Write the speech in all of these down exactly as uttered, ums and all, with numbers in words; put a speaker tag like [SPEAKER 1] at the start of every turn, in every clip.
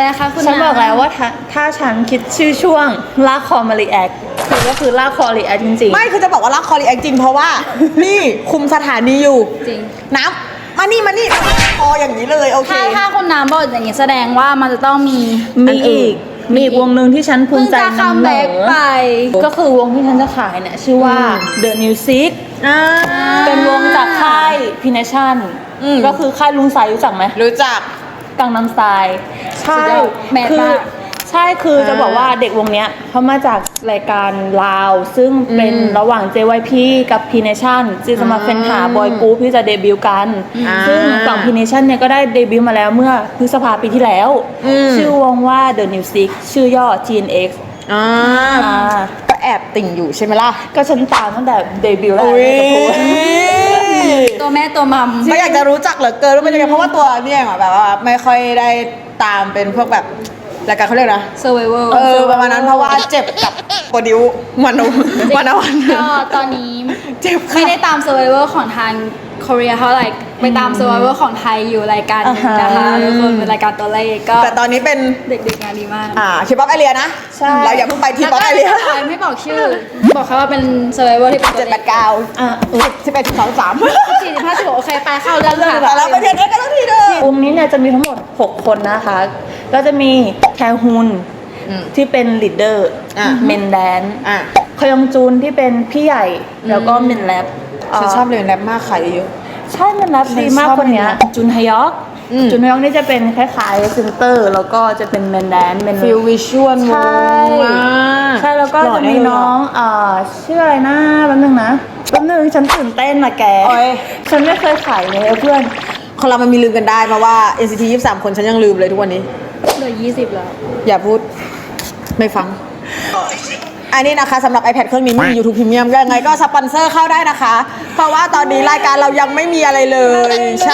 [SPEAKER 1] คะคุณ
[SPEAKER 2] ฉันบอกแล้วว่าถ้าถ้าฉันคิดชื่อช่วงลากคอมารีแอคคือก็คือลากคอรีแอคจริงๆ
[SPEAKER 3] ไม่คือจะบอกว่ารักคอรีแอคจริงเพราะว่า นี่คุมสถานีอยู่
[SPEAKER 1] จริง
[SPEAKER 3] น้ำมานี่มานี่คออย่างนี้เลยโอเค
[SPEAKER 1] ถ้าถ้าคุณน้ำบอกอย่างนี้แสดงว่ามันจะต้องมี
[SPEAKER 2] มีอีกมีอีกวงหนึ่งที่ฉันภูมิใจ
[SPEAKER 1] เพิ่งจะคัม
[SPEAKER 2] นำเหน
[SPEAKER 1] แบ็ก
[SPEAKER 2] อ
[SPEAKER 1] ไป
[SPEAKER 2] ก็คือวงที่ฉันจะขายเนี่ยชื่อว่า The Music
[SPEAKER 3] อ่า
[SPEAKER 2] เป็นวงจากค่ายพีเนชั่น
[SPEAKER 3] อืม
[SPEAKER 2] ก็คือค่ายลุงไซรู้จักไหม
[SPEAKER 3] รู้จัก
[SPEAKER 2] กังนำสไตล์ใช่
[SPEAKER 1] สุดยอดแมส
[SPEAKER 2] คื
[SPEAKER 1] มาก
[SPEAKER 2] ใช่คือจะ
[SPEAKER 3] อ่า
[SPEAKER 2] บอกว่าเด็กวงเนี้ยเขามาจากรายการลาว ซึ่งเป็น
[SPEAKER 3] อืม
[SPEAKER 2] ระหว่าง เจ วาย พี กับ พี Nation ที่จะมา
[SPEAKER 3] อ่า
[SPEAKER 2] เฟ้นหาบอยกรุ๊ปที่จะเดบิวต์กัน
[SPEAKER 3] อ่า
[SPEAKER 2] ซึ่งฝั่ง พี Nation เนี่ยก็ได้เดบิวต์มาแล้วเมื่อพฤษภาปีที่แล้ว
[SPEAKER 3] อืม
[SPEAKER 2] ชื่อวงว่า The New Six ชื่อย่อ จี เอ็น เอ็กซ์
[SPEAKER 3] อ่า
[SPEAKER 2] อ่า
[SPEAKER 3] ก็แอบติ่งอยู่ใช่ไหมล่ะ
[SPEAKER 2] ก็ฉันตามตั้งแต่เดบิวต์แล้ว
[SPEAKER 3] อุ้ย
[SPEAKER 2] จะพูด
[SPEAKER 1] ตัวแม่ตัวมัม
[SPEAKER 3] ก็อยากจะรู้จักเหลือเกินว่าเป็นยังไงเพราะว่าตัวเนี่ยอ่ะแบบว่าไม่ค่อยได้ตามเป็นพวกแบบรายการเขาเรียกนะ
[SPEAKER 1] เซอร์ไวเวอร์
[SPEAKER 3] เออประมาณนั้นเพราะว่าเจ็บกับโปรดิวมันวันวันวัน
[SPEAKER 1] ก็ตอนนี้
[SPEAKER 3] เจ็บค่ะ
[SPEAKER 1] ไม่ได้ตามเซอร์ไวเวอร์ของทางเกาหลีเท่าไหร่ไปตามเซอร์ไวเวอร์ของไทยอยู่รายการหนึงนะคะทุกคนเป็นรายการตัวเลขก็
[SPEAKER 3] แต่ตอนนี้เป็น
[SPEAKER 1] เด็กๆงานดีมาก
[SPEAKER 3] อ่าคิปป๊อปไอเรียนะ
[SPEAKER 2] ใช่
[SPEAKER 3] เราอย่าเพิ่งไปทีป๊อปไอเรีย
[SPEAKER 1] ไม่บอกชื่อ บอกเขาว่าเป็นเซอร์ไวเวอร์ที่เป็นตั
[SPEAKER 3] เจ็
[SPEAKER 1] ว
[SPEAKER 3] ด
[SPEAKER 1] เล
[SPEAKER 3] แป
[SPEAKER 1] ข
[SPEAKER 3] ดเก้า
[SPEAKER 2] อ่ะ
[SPEAKER 3] สิบเอ็ดสิบสองสาม
[SPEAKER 1] สี่สิบห้าสิบหกโอเคไปเข้าเรื่อง
[SPEAKER 3] แต่
[SPEAKER 1] ค่ะ
[SPEAKER 3] เราไปเทียนเอ็กกันทั้งทีเด้อ
[SPEAKER 2] วงนี้เนี่ยจะมีทั้งหมด หก คนนะคะ ก็จะมีแทฮุน
[SPEAKER 3] อืม
[SPEAKER 2] ที่เป็นลีดเดอร์
[SPEAKER 3] อ่ะ
[SPEAKER 2] เมนแดน
[SPEAKER 3] อ่ะ
[SPEAKER 2] คยองจูนที่เป็นพี่ใหญ่ แล้วก็เมนแรป
[SPEAKER 3] ฉันชอบเรียนแรปมากขายเยอะ
[SPEAKER 2] ใช่เมนแรปดีมาก
[SPEAKER 3] ฉันชอบ
[SPEAKER 2] คนเนี้ย
[SPEAKER 3] เมนแรป
[SPEAKER 2] จุนฮยอก
[SPEAKER 3] อืม
[SPEAKER 2] จุนฮยอกนี่จะเป็นคล้ายๆเซนเตอร์ แล้วก็จะเป็นเมนแดนเมน
[SPEAKER 3] ฟิลวิชวล
[SPEAKER 2] ใช่ ใช่แล้วก็จะมีน้องอ่าชื่ออะไรนะแป๊บนึงนะแป๊บนึงฉันตื่นเต้นนะแก
[SPEAKER 3] โอ้ย
[SPEAKER 2] ฉันไม่เคยขายเลยเพื่อน
[SPEAKER 3] คนเรามันมีลืมกันได้เพราะว่า เอ็น ซี ที ยี่สิบสาม คนฉันยังลืมเลยทุกวันนี้
[SPEAKER 1] เหลือยี่สิบแล้ว
[SPEAKER 3] อย่าพูดไม่ฟัง อันนี้นะคะสำหรับ iPad เครื่องนี้ไม่มี YouTube Premium ก็ยังไงก็สปอนเซอร์เข้าได้นะคะ เพราะว่าตอนนี้รายการเรายังไม่มีอะไรเลย ใช่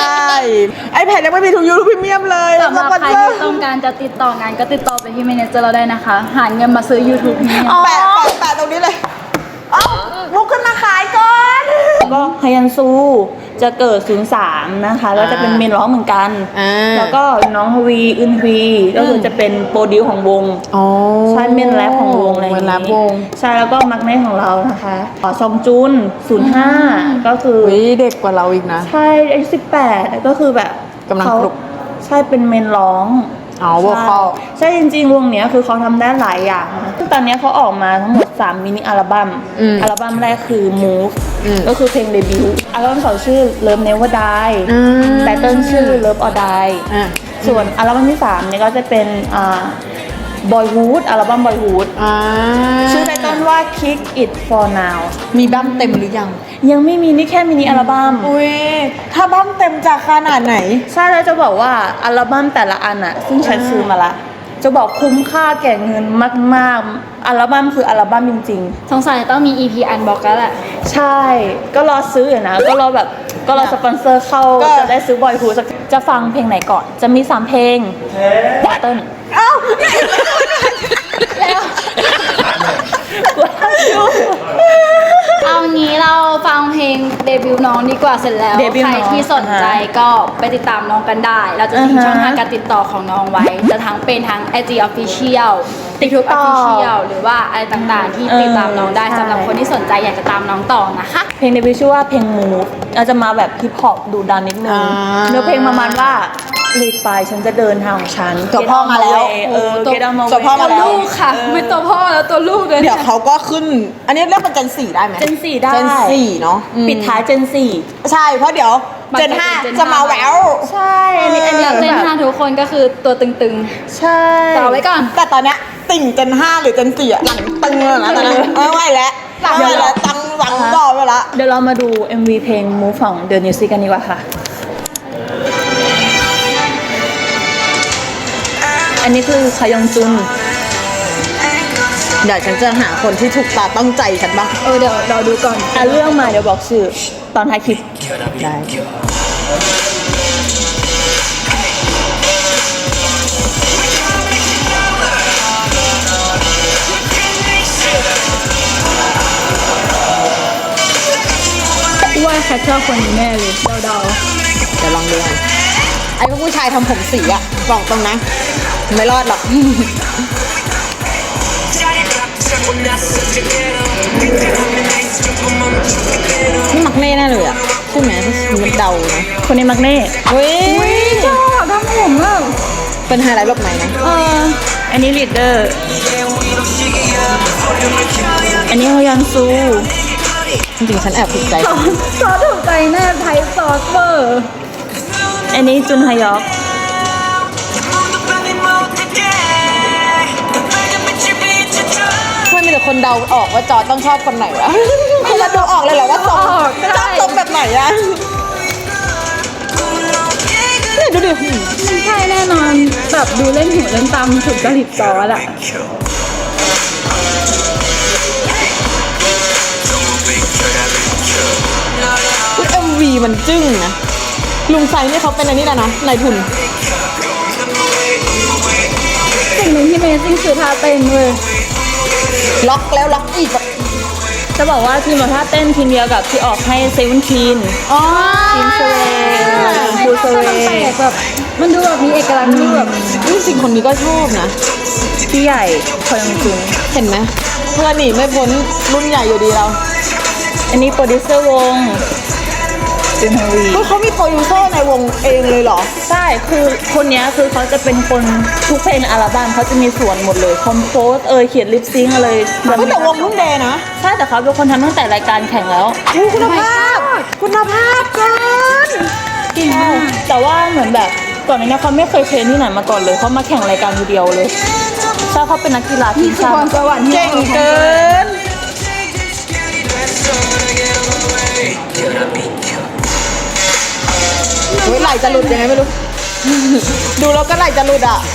[SPEAKER 3] iPad ยังไม่มีทุก YouTube Premium เลย
[SPEAKER 1] สำหรับ
[SPEAKER 3] สปอน
[SPEAKER 1] ใคร
[SPEAKER 3] เซอร์
[SPEAKER 1] ที่ต้องการจะติดต่องานก็ติดต่อไปที่เมเนเจอร์เราได้นะคะ หาเงินมาซื้อ YouTube นี่
[SPEAKER 3] แปะแปะแปะตรงนี้เลยเอ้าลุกขึ้นมาขายก่อน
[SPEAKER 2] ก็ฮยันซูจะเกิด ศูนย์สาม นะคะแล้วจะเป็นเมนร้องเหมือนกัน
[SPEAKER 3] อ่า
[SPEAKER 2] แล้วก็น้องฮวีอึนฮวีก็คือจะเป็นโปรดิวของวง
[SPEAKER 3] อ๋อ
[SPEAKER 2] ใช่เมนแรปของวงอะไรอย่าง
[SPEAKER 3] เมนแรปวง
[SPEAKER 2] ใช่แล้วก็มักเน่ของเรานะคะอ๋อซองจุน ศูนย์ห้า ก็คือ
[SPEAKER 3] อุ้ยเด็กกว่าเราอีกนะ
[SPEAKER 2] ใช่อายุสิบแปดก็คือแบบ
[SPEAKER 3] กำลัง
[SPEAKER 2] เขา
[SPEAKER 3] ปลุก
[SPEAKER 2] ใช่เป็นเมนร้อง
[SPEAKER 3] อ๋อ vocal
[SPEAKER 2] ใช่จริงๆ วงเนี้ยคือเขาทำได้หลายอย่างนะซึ่งตอนเนี้ยเขาออกมาทั้งหมด สาม มินิอัลบั้ม
[SPEAKER 3] อืม
[SPEAKER 2] อัลบั้มแรกคือ Move
[SPEAKER 3] อืม
[SPEAKER 2] ก็คือเพลงเดบิวต์อัลบั้มสองชื่อ Love Never Die
[SPEAKER 3] อืม
[SPEAKER 2] แต่เติ้ลชื่อ Love or Die
[SPEAKER 3] อ่ะ
[SPEAKER 2] ส่วนอัลบั้มที่สามเนี่ยก็จะเป็นอ่า Boyhood อัลบั้ม Boyhood
[SPEAKER 3] อ่า
[SPEAKER 2] ชื่อไตเติ้ลว่า Kick It For Now
[SPEAKER 3] มีบั้มเต็มหรือยัง
[SPEAKER 2] ยังไม่มีนี่แค่มินิอัลบั้ม
[SPEAKER 3] อุ้ยถ้าบั้มเต็มจะขนาดไหน
[SPEAKER 2] ใช่แล้วจะบอกว่าอัลบั้มแต่ละอันอะซึ่งฉันซื้อมาละจะบอกคุ้มค่าแก่เงินมากๆอัลบั้มคืออัลบั้มจริง
[SPEAKER 1] สงสัยต้องมี อี พี Unbox แล้วแหละ
[SPEAKER 2] ๆ ใช่ ก็รอซื้ออยู่นะ ก็รอแบบก็รอสปอนเซอร์เข้า
[SPEAKER 3] ก็
[SPEAKER 2] จะได้ซื้อบอยฮูสักจะฟังเพลงไหนก่อน จะมีสามเพลงเติ้ล
[SPEAKER 3] เอ้า
[SPEAKER 1] เอางี้เราฟังเพลงเดบิวต์น้องดีกว่าเสร็จแล้ว
[SPEAKER 2] เดบิวต์
[SPEAKER 1] ใคร
[SPEAKER 2] น้อง
[SPEAKER 1] ที่สนใจ
[SPEAKER 2] อ่าฮะ
[SPEAKER 1] ก็ไปติดตามน้องกันได้ เราจะทิ้ง
[SPEAKER 2] อ่าฮะ
[SPEAKER 1] ช่องทางการติดต่อของน้องไว้ จะทั้งเป็นทั้ง ไอ จี Official TikTok Official หรือว่าอะไรต่างๆ ที่ติดตามน้องได้
[SPEAKER 2] เออใช่
[SPEAKER 1] สำหรับคนที่สนใจอยากจะตามน้องต่อนะคะ
[SPEAKER 2] เพลงเดบิวต์ชื่อว่าเพลง Move เราจะมาแบบฮิปฮอปดูดันนิดนึง
[SPEAKER 3] อ่า
[SPEAKER 2] เนื้อเพลงประมาณว่าหลีกไปฉันจะเดินทางของฉัน
[SPEAKER 3] ตัวพ่อมาแล้ว
[SPEAKER 2] เออ Get on my way
[SPEAKER 3] ตัวพ่อ
[SPEAKER 1] ตั
[SPEAKER 3] มาว แล้ว
[SPEAKER 1] ลูกค่ะ ไม่ตัวพ่อแล้วตัวลูกเลย
[SPEAKER 3] เดี๋ยวเขาก็ขึ้น อันนี้เรียกเป็นเจนสี่ได้ไหม
[SPEAKER 2] เจนสี่ได้
[SPEAKER 3] เจนสี่เนาะอืม
[SPEAKER 2] ปิดท้ายเจนสี่
[SPEAKER 3] ใช่ เพราะเดี๋ยวเจนห้าจะมาแวว
[SPEAKER 2] ใช่อันนี้อันนี้
[SPEAKER 1] แล้วเจนห้าทุกคนก็คือตัวตึง
[SPEAKER 2] ใช่
[SPEAKER 1] ๆต่อไว้ก่อน
[SPEAKER 3] แต่ตอนเนี้ยติ่งเจนห้าหรือเจนสี่อะหลังตึงเลยนะตอนนี้ไม่ไหวแล้วหลังไม่ไหวแล้วตังหลังก่อไปละ
[SPEAKER 2] เดี๋ยวเรามาดู เอ็ม วี เพลง Move ของ The New Six กันดีกว่าค่ะ อันนี้คือคยองจุน
[SPEAKER 3] เดี๋ยวฉันจะหาคนที่ถูกตาต้องใจฉันบ้าง
[SPEAKER 1] เออเดี๋ยวเราดูก่อน
[SPEAKER 2] อ่ะเรื่องมาเดี๋ยวบอกชื่อ ตอนท้ายคลิป
[SPEAKER 3] ได้
[SPEAKER 1] ว่าแคทเชอร์คนนี้แน่เลยเดา
[SPEAKER 3] เดี๋ยวลองดูกันไอ้พวกผู้ชายทำผมสีอะบอกตรงนะไม่รอดหรอก นี่มักเน่แน่เลยอ่ะใช่ไหมมันเดานะ
[SPEAKER 2] คนนี้มักเน่
[SPEAKER 3] เฮ้ย
[SPEAKER 1] ชอบทำผมอ่ะ
[SPEAKER 3] เป็นไฮไลท์แบบไหนนะ
[SPEAKER 2] เอออันนี้ลีดเดอร์ อันนี้ฮยอนซู
[SPEAKER 3] จริงๆฉันแอบถูกใจ
[SPEAKER 1] ซอสซอสถูกใจแน่ไทยซอสเบอร์
[SPEAKER 2] อันนี้จุนฮยอก
[SPEAKER 3] เพื่อนมีแต่คนเดาออกว่าจอร์จต้องชอบคนไหนวะคือเราดูออกเลยเหรอว่าทรงชอบทรงแบบไหนอะเนี่ยดูดิ
[SPEAKER 1] ใช่แน่นอนแบบดูเล่นหูเล่นตามถูกจริตซอสอ่ะ
[SPEAKER 3] เอ็มวีมันจึ้งนะลุงไซนี่เขาเป็นอันนี้แล้วนะนายทุน
[SPEAKER 1] สิ่งหนึ่งที่เมซิ่งคือท่าเต้นเลย
[SPEAKER 3] ล็อกแล้วล็อกอีกแบบ
[SPEAKER 2] จะบอกว่าทีมแบบท่าเต้นทีมเดียวกับที่ออกให้เซเว่นทีน
[SPEAKER 3] อ๋อ
[SPEAKER 2] ทีมเซเว่นคูเซเว่
[SPEAKER 1] มันแปลกแบบมันดูแบบมีเอกลักษณ์ที่แบบ
[SPEAKER 3] จริงๆคนนี้ก็ชอบนะ
[SPEAKER 2] พี่ใหญ่คอยองจุน
[SPEAKER 3] เห็นไหมเพื่อนหนีไม่พ้นรุ่นใหญ่อยู่ดีเรา
[SPEAKER 2] อันนี้โปรดิวเซอร์วงจุนฮวี
[SPEAKER 3] เฮ้ยเขามีโปรดิวเซอร์ในวงเองเลยเหรอ
[SPEAKER 2] ใช่คือคนเนี้ยคือเขาจะเป็นคนทุกเพลงในอัลบั้มเขาจะมีส่วนหมดเลยคอมโพสเอยเขียนลิปซิงค์อะไร
[SPEAKER 3] เฮ้ยแต่วงรุ่นเดย์นะ
[SPEAKER 2] ใช่แต่เขาเป็นคนทำตั้งแต่รายการแข่งแล้ว
[SPEAKER 3] อู้คุณภาพ คุณภาพเกิน
[SPEAKER 2] จริงแต่ว่าเหมือนแบบก่อนหน้านี้เขาไม่เคยเทรนที่ไหนมาก่อนเลยเขามาแข่งรายการทีเดียวเลยใช่เขาเป็นนักกีฬาที
[SPEAKER 1] นี่
[SPEAKER 2] ม
[SPEAKER 1] คือ
[SPEAKER 2] ชา
[SPEAKER 1] พร
[SPEAKER 2] ติ
[SPEAKER 1] สวรรค์ที่
[SPEAKER 3] เก่งเกิน เฮ้ยไหลจะหลุดยังไงไม่รู้ ดูแล้วก็ไหลจะหลุดอ่ะ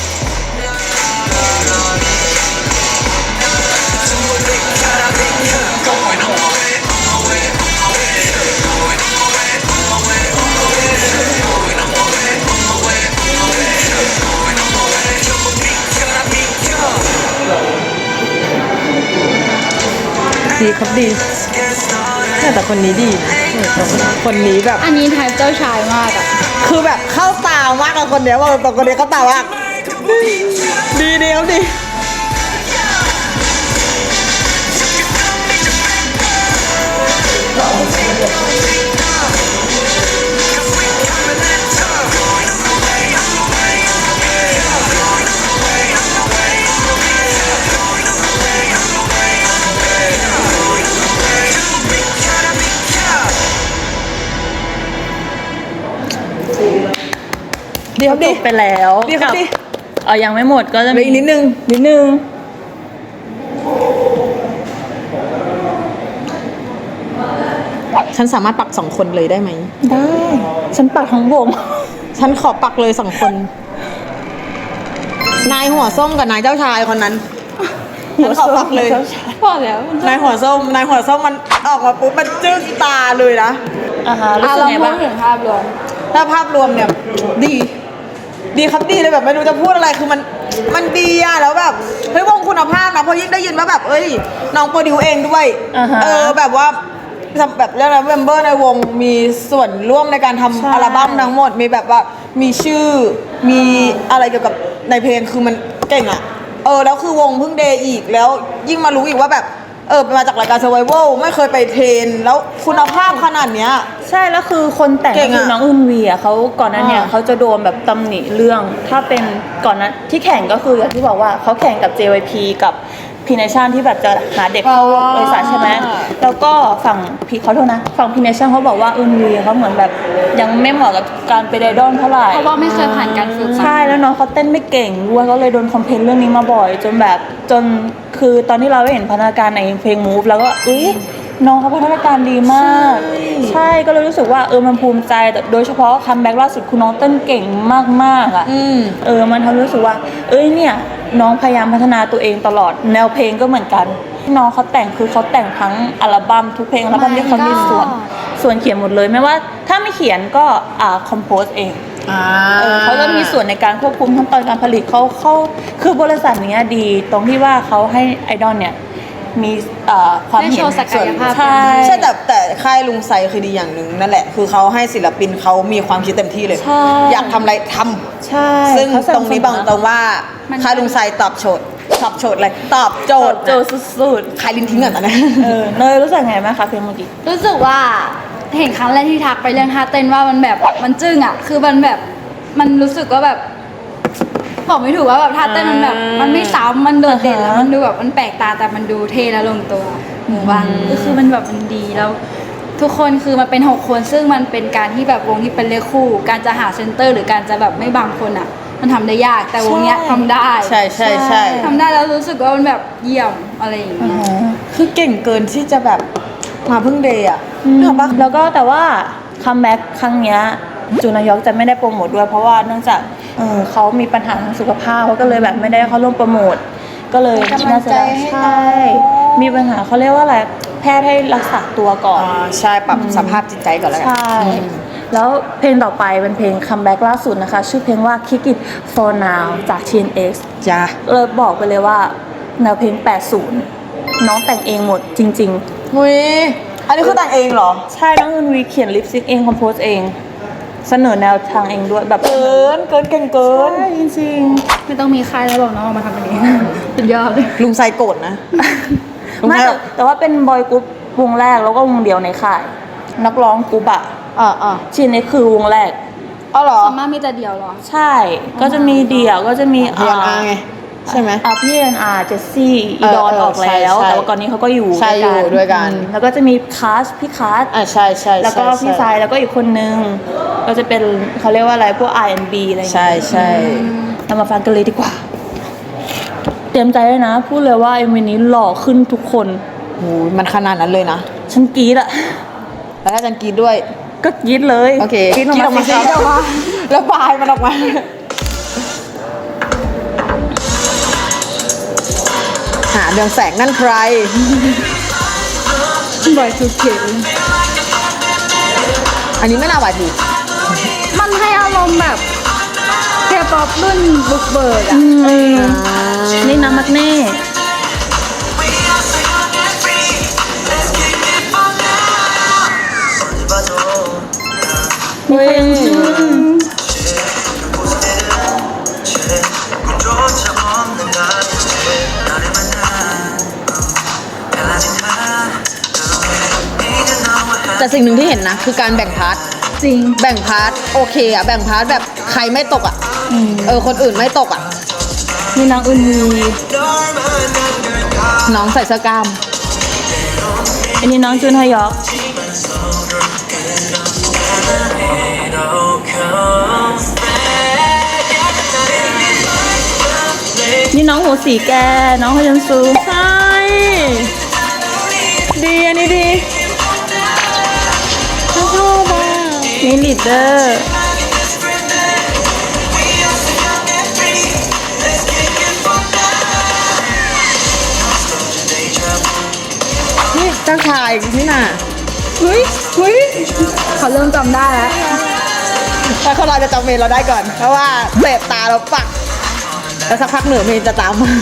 [SPEAKER 3] ดีครับดีแต่คนนี้ดีนะคนนี้แบบ
[SPEAKER 1] อันนี้ไทป์เจ้าชายมากอ่ะ
[SPEAKER 3] คือแบบเข้าตามากกับคนเดียวว่าตรงคนเดียวเข้าตามากดีดีครับดีดีครับ
[SPEAKER 2] จ
[SPEAKER 3] ดี
[SPEAKER 2] บไปแล้ว
[SPEAKER 3] ดีครับ
[SPEAKER 2] กั
[SPEAKER 3] ดี
[SPEAKER 2] เออยังไม่หมดก็จะ
[SPEAKER 3] เหลืออีกนิดนึง
[SPEAKER 2] นิดนึง
[SPEAKER 3] ฉันสามารถปักสองคนเลยได้ไหม
[SPEAKER 2] ได้ฉันปัดทั้งวง
[SPEAKER 3] ฉันขอปักเลยสองคน นายหัวส้มกับนายเจ้าชายคนนั้นฉันขอปักเลย
[SPEAKER 1] พอแล้ว
[SPEAKER 3] นายหัวส้ม นายหัวส้มมันออกมาปุ๊บมันจึ้งตาเลยนะ
[SPEAKER 2] อ่าฮะรู้
[SPEAKER 1] อ่ะ
[SPEAKER 2] สึก
[SPEAKER 1] เรา
[SPEAKER 2] ไง
[SPEAKER 1] พู
[SPEAKER 2] บ้า
[SPEAKER 1] ด
[SPEAKER 2] ง
[SPEAKER 1] ถึงภาพรวม
[SPEAKER 3] ถ้าภาพรวมเนี่ยดี ดีครับดีเลยแบบไม่รู้จะพูดอะไรคือมันมันดีอะแล้วแบบเฮ้ยวงคุณภาพนะเพราะยิ่งได้ยินว่าแบบเอ้ยน้องโปรดิวเองด้วย
[SPEAKER 2] อ่าฮะ
[SPEAKER 3] เออแบบว่าแบบเรื่องอะไรเมมเบอร์ในวงมีส่วนร่วมในการทำ
[SPEAKER 2] ใช่
[SPEAKER 3] อัลบั้มทั้งหมดมีแบบว่ามีชื่อมีอะไรเกี่ยวกับในเพลงคือมันเก่งอะเออแล้วคือวงเพิ่งเดย์อีกแล้วยิ่งมารู้อีกว่าแบบเออมาจากรายการ Survival ไม่เคยไปเทรนแล้วคุณภาพขนาดเนี้ย
[SPEAKER 2] ใช่แล้วคือคนแต่ง
[SPEAKER 3] เก่
[SPEAKER 2] ก็
[SPEAKER 3] งอะ
[SPEAKER 2] คือน้องอึนวีอ่ะเขาก่อนหนั้นเนี่ย
[SPEAKER 3] อ่า
[SPEAKER 2] เขาจะโดนแบบตำหนิเรื่อง ถ้าเป็นก่อนนั้นที่แข่งก็คืออย่างที่บอกว่าเขาแข่งกับ เจ วาย พี กับพีเนชั่นที่แบบจะหาเด็กเข้าบริษัทใช่ไหมแล้วก็ฝั่งพีเขาโทษนะฝั่งพีเนชั่นเขาบอกว่าอึนวีเขาเหมือนแบบยังไม่เหมาะกับการเป็นไอดอลเท่าไหร่
[SPEAKER 1] เพราะว่าไม่เคยผ่านการฝึกมา
[SPEAKER 2] ใช่แล้วน้องเขาเต้นไม่เก่งด้วยก็เลยโดนคอมเพลนเรื่องนี้มาบ่อย จนแบบจนคือตอนที่เราได้เห็นพัฒนาการในเพลง Move แล้วก็อุ๊ยน้องเขาพัฒนาการดีมาก ใช่ก็เลยรู้สึกว่าเออมันภูมิใจแต่โดยเฉพาะคัมแบ็กล่าสุดคุณน้องเต้นเก่งมากๆอ่ะ
[SPEAKER 3] อืม
[SPEAKER 2] เออมันทำให้รู้สึกว่า เอ้ยเนี่ยน้องพยายามพัฒนาตัวเองตลอดแนวเพลงก็เหมือนกันน้องเขาแต่งคือเขาแต่งทั้งอัลบั้มทุกเพลงอัลบั้มที่เขามีส่วนส่วนเขียนหมดเลยไม่ว่าถ้าไม่เขียนก็อ่าคอมโพสเอง
[SPEAKER 3] อ่า
[SPEAKER 2] เออเขาก็มีส่วนในการควบคุมขั้นตอนการผลิตเขาเขาคือบริษัทเนี้ยดีตรงที่ว่าเขาให้ไอดอลเนี่ยมีเอ่อความ
[SPEAKER 1] ได้
[SPEAKER 2] เห็
[SPEAKER 1] โช
[SPEAKER 2] น
[SPEAKER 1] ว์ศักยภาพ
[SPEAKER 2] ใช่
[SPEAKER 3] ใช่แต่แต่ค่ายลุงไซคือดีอย่างหนึ่งนั่นแหละ คือเขาให้ศิลปินเขามีความคิดเต็มที่เลย
[SPEAKER 2] ใช่
[SPEAKER 3] อยากทำอะไรทำ
[SPEAKER 2] ใช่
[SPEAKER 3] ซึ่ง
[SPEAKER 2] เขาส
[SPEAKER 3] ต
[SPEAKER 2] บ
[SPEAKER 3] รงนี้บอกตรงว่าค่ายลุงไซตอบโจทย์ตอบโจทย์อะไรตอบโจ
[SPEAKER 2] โจ
[SPEAKER 3] ท
[SPEAKER 2] ท
[SPEAKER 3] ย์
[SPEAKER 2] ย์โจทย์สุด
[SPEAKER 3] ใครลิ้นทิ้งก่อนตอนนี้
[SPEAKER 2] ๆเออเนยรู้สึกไงบ้างคะเพลงเมื่อกี้
[SPEAKER 1] รู้สึกว่าเห็นครั้งแรกที่ทักไปเรื่องท่าเต้นว่ามันแบบมันจึ้งอ่ะ คือมันแบบมันรู้สึกว่าแบบบอกไม่ถูกว่าแบบท่าเต้นมันแบบ
[SPEAKER 3] อ่ามั
[SPEAKER 1] มันไม่ซ้ำมันโดดเด่น
[SPEAKER 2] อ่าฮะ
[SPEAKER 1] แล้วมันดูแบบมันแปลกตาแต่มันดูเท่และลงตัวหมู่บ้านก็คือมันแบบมันดีแล้ว ทุกคนคือมันเป็นหกคนซึ่งมันเป็นการที่แบบวงที่เป็นเลขคู่ การจะหาเซนเตอร์ หรือการจะแบบไม่บังคนอ่ะ มันทำได้ยากแต่วงเนี้ยทำได้
[SPEAKER 3] ใช่ใช่ใช่
[SPEAKER 1] ทำได้แล้วรู้สึกว่ามันแบบเยี่ยมอะไรอย่างเงี้ย
[SPEAKER 3] คือเก่งเกินที่จะแบบมาเพิ่งเดย์อ่ะ
[SPEAKER 2] อืม
[SPEAKER 3] นึกออกปะ
[SPEAKER 2] แล้วก็แต่ว่าคัมแบ็กครั้งเนี้ยจูนายอกจะไม่ได้โปรโมทด้วยเพราะว่าเนื่องจากเออเขามีปัญหาทางสุขภาพเขาก็เลยแบบไม่ได้เข้าร่วมโปรโมทก็เลย
[SPEAKER 3] เป็นกำลังใจให้น้อง
[SPEAKER 2] ใช่มีปัญหาเขาเรียกว่าอะไรแพทย์ให้รักษาตัวก่อน
[SPEAKER 3] อ่าใช่ปรับสภาพจิตใจก่อนแล้วกัน
[SPEAKER 2] ใช่ แล้วเพลงต่อไปเป็นเพลงคัมแบ็กล่าสุดนะคะ ชื่อเพลงว่า Kick It For Now จาก ที เอ็น เอ็กซ์
[SPEAKER 3] จ้า
[SPEAKER 2] เลยบอกไปเลยว่าแนวเพลงแปดสิบน้องแต่งเองหมดจริง
[SPEAKER 3] หุยอันนี้คือแต่งเองเหรอ
[SPEAKER 2] ๆ ใช่น้องอึนวีเขียนลิปซิงเองคอมโพสเอง เสนอแนวทางเองด้วยแบบ
[SPEAKER 3] เกิน เกินเก่งเกิน
[SPEAKER 2] ใช่จริง
[SPEAKER 1] ไม่ต้องมีใครแล้วหรอกเนาะมาทำอันนี้ สุดยอดเลย
[SPEAKER 3] ลุงไซโกรธนะ
[SPEAKER 2] ๆไม่แต่แต่ว่าเป็นบอยกรุ๊ปวงแรกแล้วก็วงเดียวในค่าย นักร้องกรุ๊ปอะ
[SPEAKER 3] อ่าอ่า
[SPEAKER 2] ชินนี่คือวงแรก
[SPEAKER 3] อ๋อเหรอ
[SPEAKER 1] ส่วนมากมีแต่เดียวเหรอ
[SPEAKER 2] ใช่ ก็จะมีเดี่ยวก็จะมี
[SPEAKER 3] พีอนอาไง ใช่ไหม
[SPEAKER 2] อ่าพี่เอ็นอาร์เจสซี่อีดอน
[SPEAKER 3] เออเออ
[SPEAKER 2] ออกแล้ว
[SPEAKER 3] ใช่ใช่
[SPEAKER 2] แต่ว่าก่อนนี้เขาก็อยู่
[SPEAKER 3] ใช่อยู่ด้วยกัน
[SPEAKER 2] อืมแล้วก็จะมีคาสพี่คาส
[SPEAKER 3] อ่าใช่ใช่
[SPEAKER 2] แล้วก็
[SPEAKER 3] ใช่
[SPEAKER 2] พี่ทรายแล้วก็อีกคนนึง ก็จะเป็นเขาเรียกว่าอะไรพวก อาร์ แอนด์ บี อะไรอย่าง
[SPEAKER 3] ใช่
[SPEAKER 2] เงี้ย
[SPEAKER 3] ใช่
[SPEAKER 2] เรามาฟังกันเลยดีกว่า เตรียมใจเลยนะ พูดเลยว่าเอ็มวีนี้หล่อขึ้นทุกคน
[SPEAKER 3] โหมันขนาดนั้นเลยนะ
[SPEAKER 2] ฉันกรี๊ดอะ
[SPEAKER 3] แล้วถ้าจันกรีดด้วย
[SPEAKER 2] ก็กรี๊ดเลย
[SPEAKER 3] โอเค
[SPEAKER 2] กรี๊ดออกมาสิ
[SPEAKER 3] กรี๊ดออกมาแล้วบายมันออกมา หาเดืองแสงนั่นใคร
[SPEAKER 1] บ่อยสุดเข็ม
[SPEAKER 3] อันนี้ไม่น่าหวายถูก
[SPEAKER 1] มันให้อารมณ์แบบเคป๊อปรุ่นบุกเบิกอะ
[SPEAKER 2] เออนี่น้ำมักเน่มีคนยังชื่อ
[SPEAKER 3] แต่สิ่งหนึ่งที่เห็นนะ คือการแบ่งพาร์ท
[SPEAKER 1] จริง
[SPEAKER 3] แบ่งพาร์ทโอเคอะแบ่งพาร์ทแบบใครไม่ตกอะเออคนอื่นไม่ตกอะ
[SPEAKER 2] มีนางอึนวี
[SPEAKER 3] น้องใส่เสื้อกล้าม
[SPEAKER 2] อันนี้น้องจุนฮยอกนี่น้องหัวสีแก น้องฮยันซู
[SPEAKER 3] ใช่ ดีอันนี้ดีฉันชอบอ่ะ
[SPEAKER 2] นี่ลีดเดอร์
[SPEAKER 3] นี่เจ้าชายนี่น่ะ
[SPEAKER 1] เฮ้ยเฮ้ยเขาเริ่มจำได้แล้ว
[SPEAKER 3] แต่คนเราจะจำเมนเราได้ก่อน เพราะว่าเสพตาเราปัก แล้วสักพักเหนือเมนจะตามมา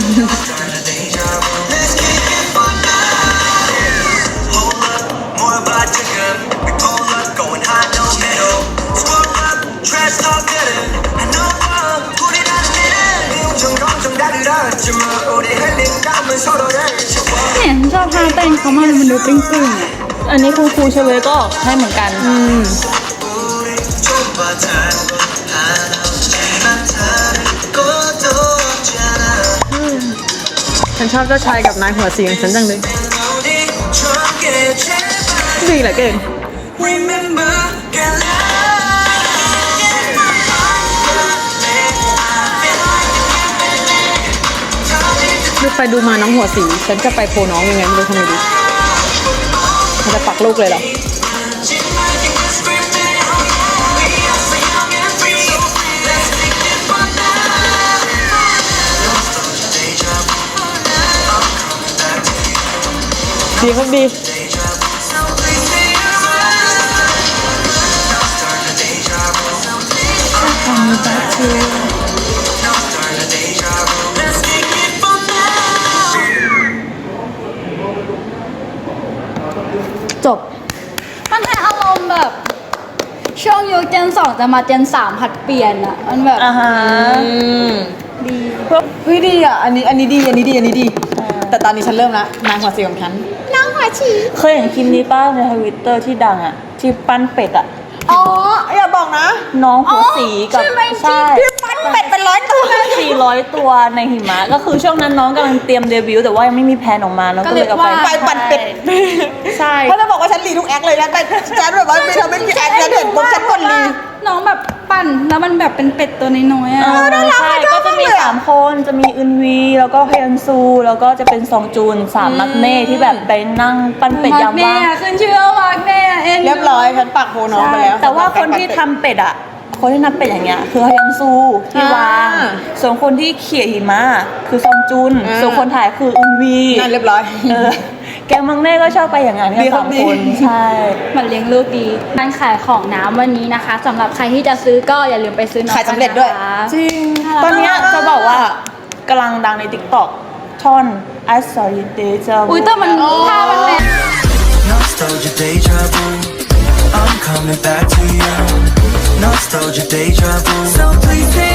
[SPEAKER 1] เนี่ยฉันชอบท่าเต้นเขามากมันดูตึงๆอะ
[SPEAKER 2] อันนี้คุณครูเชเวก็ออกให้เหมือนกัน
[SPEAKER 3] อืมฉันชอบเจ้าชายกับนายหัวเสียงฉันจังเลยดีเหลือเกินดูไปดูมาน้องหัวสี ฉันจะไปโพน้องยังไงไม่รู้ทำไมดีมันจะปักลูกเลยเหรอ ดีครับดี
[SPEAKER 2] เ
[SPEAKER 1] จบ มันให้อารมณ์แบบ ช่วงยุคเจนสองจะมาเจนสามผัดเปลี่ยนอะมันแบบ
[SPEAKER 2] อ่าฮะ
[SPEAKER 1] ดี
[SPEAKER 3] เฮ้ยดีอ่ะ อันนี้อันนี้ดี อันนี้ดี อันนี้ดี แต่ตอนนี้ฉันเริ่มละนางหัวสีของฉันนางหัวฉี
[SPEAKER 2] เคยเห็นคลิปนี้ป้าในทวิตเตอร์ที่ดังอ่ะ ที่ปั้นเป็ดอ่ะ
[SPEAKER 3] อ๋อ อย่าบอกนะ
[SPEAKER 2] น้องหัวสีกับ
[SPEAKER 1] ใช่ไหม
[SPEAKER 2] ใช่
[SPEAKER 3] พี่ปั้นเป็ดเป็นร้อยตัว
[SPEAKER 2] สี่ร้อยตัวในหิมะก็คือช่วงนั้นน้องกำลังเตรียมเดบิวต์แต่ว่ายังไม่มีแพลนออกมาน้องก็เลยเอาไป
[SPEAKER 3] ไปปั่นเป็ด
[SPEAKER 2] ใช่
[SPEAKER 3] เพราะจะบอกว่าฉันรีทุกแอคเลยนะ แต่ฉันแบบว่าไม่ทำไม่มีแอคแล้วเห็นปุ๊บฉันกดรี
[SPEAKER 1] น้องแบบปั่นแล้วมันแบบเป็นเป็ดตัวน้อยๆอะ
[SPEAKER 2] เออใช่ก็จะมีสามคนจะมีอึนวีแล้วก็ฮยอนซู แล้วก็จะเป็นซองจูนสามมักเน่ที่แบบไปนั่งปั้นเป็ดยามว่าง
[SPEAKER 1] มาร์กเน่อะขึ้นชื่อว่ามาร์กเน่อะเอ็นดู
[SPEAKER 3] เรียบร้อยฉันปักโพน้องไปแล้ว
[SPEAKER 2] แต่ว่าคนที่ทำเป็ดอ่ะ คนที่นับเป็ดอย่างเงี้ยคือฮยอนซูที่วาง
[SPEAKER 3] อ่า
[SPEAKER 2] ส่วนคนที่เขี่ยหิมะคือซองจุน
[SPEAKER 3] อ่า
[SPEAKER 2] ส่วนคนถ่ายคืออึนวี
[SPEAKER 3] นั่นเรียบร้อย
[SPEAKER 2] เออแกงมังเน่ก็ชอบไปอย่างนั้น
[SPEAKER 3] ดี
[SPEAKER 2] กัน
[SPEAKER 3] ครั
[SPEAKER 2] สา
[SPEAKER 3] บ
[SPEAKER 2] ม
[SPEAKER 3] ดี
[SPEAKER 2] คนใช่
[SPEAKER 1] มันเลี้ยงลูกดีการขายของน้ำวันนี้นะคะสำหรับใครที่จะซื้อก็อย่าลืมไปซื้อน้อง
[SPEAKER 3] ขายสำเร็จด้วย
[SPEAKER 1] นะคะ
[SPEAKER 2] จริง
[SPEAKER 1] น่ารัก
[SPEAKER 2] ตอนเนี้ยจะบอกว่ากำลังดังใน TikTok ท่อน I saw you deja vu
[SPEAKER 1] อุ้ยแต่มันถ้ามันแม
[SPEAKER 4] Nostalgia deja vu. I'm coming back to you. Nostalgia deja vu. So please stay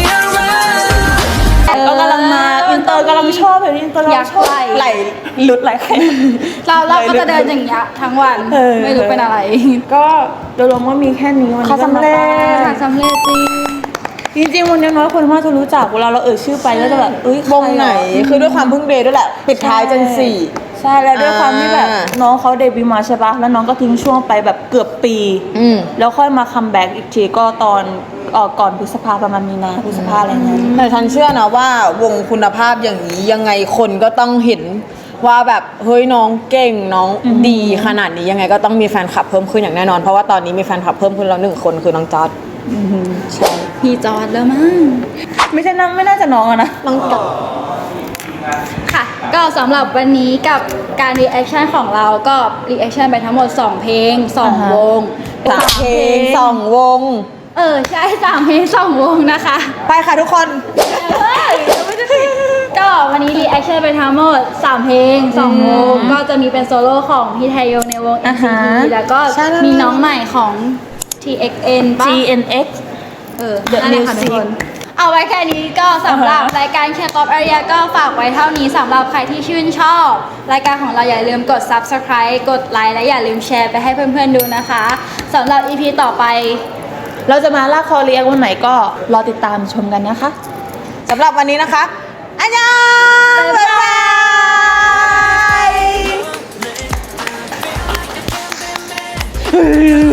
[SPEAKER 4] around.
[SPEAKER 2] ก็กำลังมาอินเตอร์กำลังชอบเลยอินเตอร์
[SPEAKER 1] อยาก
[SPEAKER 2] ชอบ
[SPEAKER 1] ไหล
[SPEAKER 2] ไหลหลุดไหลใคร
[SPEAKER 1] เราเราก็จะเดินอย่างเงี้ยทั้งวัน
[SPEAKER 2] เออ
[SPEAKER 1] ไม่รู้เป็นอะไร
[SPEAKER 2] ก็โดยรวมว่ามีแค่นี้วันนี้
[SPEAKER 3] เขาสำเร็จ
[SPEAKER 1] ขายสำเร็จจริง
[SPEAKER 2] จริงๆวันนี้น้อยคนมากจะรู้จักเวลาเราเอ่ยชื่อไปก็จะแบบเอ้ยว
[SPEAKER 3] งไหน คือด้วยความเพึ่งเดย์ด้วยแหละ ปิดท้ายเจนสี่
[SPEAKER 2] ใช่แล้วด้วยความที่แบบ
[SPEAKER 3] อ่า
[SPEAKER 2] น้องเขาเดบิวต์มาใช่ปะแล้วน้องก็ทิ้งช่วงไปแบบเกือบปี
[SPEAKER 3] อืม
[SPEAKER 2] แล้วค่อยมาคัมแบ็กอีกทีก็ตอนเอ่อก่อนพฤษภาประมาณมีนาพฤษภาอะไรเงี้ย
[SPEAKER 3] แต่ฉันเชื่อนะว่าวงคุณภาพอย่างนี้ยังไงคนก็ต้องเห็นว่าแบบเฮ้ยน้องเก่งน้องดีขนาดนี้ยังไงก็ต้องมีแฟนคลับเพิ่มขึ้นอย่างแน่นอนเพราะว่าตอนนี้มีแฟนคลับเพิ่มขึ้นแล้วหนึ่งคนคือน้องจอร์ด
[SPEAKER 2] ใช่
[SPEAKER 1] พี่จอดแล้วมั้ง
[SPEAKER 2] ไม่ใช่น้องไม่น่าจะน้องอะนะ
[SPEAKER 3] น้องจอร์ด
[SPEAKER 1] ค่ะ ก็สำหรับวันนี้กับการรีแอคชั่นของเราก็รีแอคชั่นไปทั้งหมด สอง เพลง สอง
[SPEAKER 2] อ่าฮะ
[SPEAKER 1] วง
[SPEAKER 3] สามเพลงสองวง
[SPEAKER 1] เออ ใช่สามเพลงสองวงนะคะ
[SPEAKER 3] ไปค่ะทุกคน
[SPEAKER 1] เฮ้ยยังไม่ได้ปิดก็วันนี้รีแอคชั่นไปทั้งหมดสามเพลงสองวงก็จะมีเป็นโซโล่ของพี่ไทยงในวง เอ็
[SPEAKER 2] อ่าน
[SPEAKER 1] ซี
[SPEAKER 2] ฮะ
[SPEAKER 1] ที แล้วก็
[SPEAKER 3] ใช่แล้ว
[SPEAKER 1] มีน้องใหม่ของ ที เอ็กซ์ เอ็น ป่ะ
[SPEAKER 2] จี เอ็น เอ็กซ์
[SPEAKER 1] เออ
[SPEAKER 2] The
[SPEAKER 1] นั่นแหละค่ะทุก
[SPEAKER 2] Music
[SPEAKER 1] คน เอาไว้แค่นี้ก็สำหรับ
[SPEAKER 2] อ่าฮะ
[SPEAKER 1] รายการแคปอ p อาริยาก็ฝากไว้เท่านี้สำหรับใครที่ชื่นชอบ รายการของเราอย่าลืมกด Subscribe กดไลค์และอย่าลืมแชร์ไปให้เพื่อนๆดูนะคะสำหรับ อี พี ต่อไป
[SPEAKER 2] เราจะมาลากคอเรียกวันไหนก็รอติดตามชมกันนะคะ
[SPEAKER 3] สำหรับวันนี้นะคะ อันยอง
[SPEAKER 1] บ๊ายบาย
[SPEAKER 3] บ๊ายบาย